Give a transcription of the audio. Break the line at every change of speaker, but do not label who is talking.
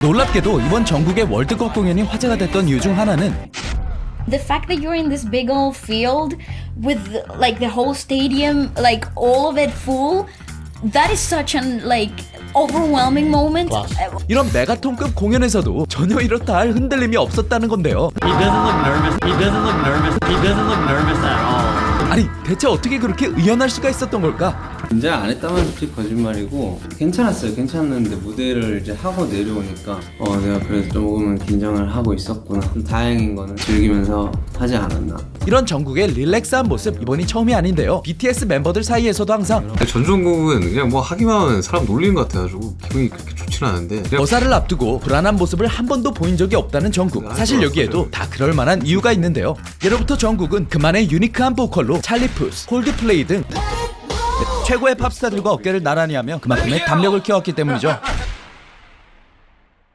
놀랍게도 이번 정국의 월드컵 공연이 화제가 됐던 이유 중 하나는
The fact that you're in this big old field with like the whole stadium, like all of it full, that is such an like overwhelming moment.
이런 메가톤급 공연에서도 전혀 이렇다 할 흔들림이 없었다는 건데요.
He doesn't look nervous. He doesn't look nervous. He doesn't look nervous at all.
아니 대체 어떻게 그렇게 의연할 수가 있었던 걸까?
긴장 안 했다면 솔직히 거짓말이고 괜찮았어요. 괜찮았는데 무대를 이제 하고 내려오니까 내가 그래도 조금은 긴장을 하고 있었구나. 좀 다행인 거는 즐기면서 하지 않았나.
이런 정국의 릴렉스한 모습 이번이 처음이 아닌데요. BTS 멤버들 사이에서도 항상
전종국은 그냥 뭐 하기만 하면 사람 놀리는 것 같아가지고 기분이 그렇게 좋지는 않은데 그냥
거사를 앞두고 불안한 모습을 한 번도 보인 적이 없다는 정국. 사실 여기에도 다 그럴 만한 이유가 있는데요. 예로부터 정국은 그만의 유니크한 보컬로 찰리 푸스, 콜드플레이 등 최고의 팝스타들과 어깨를 나란히 하며 그만큼의 담력을 키웠기 때문이죠.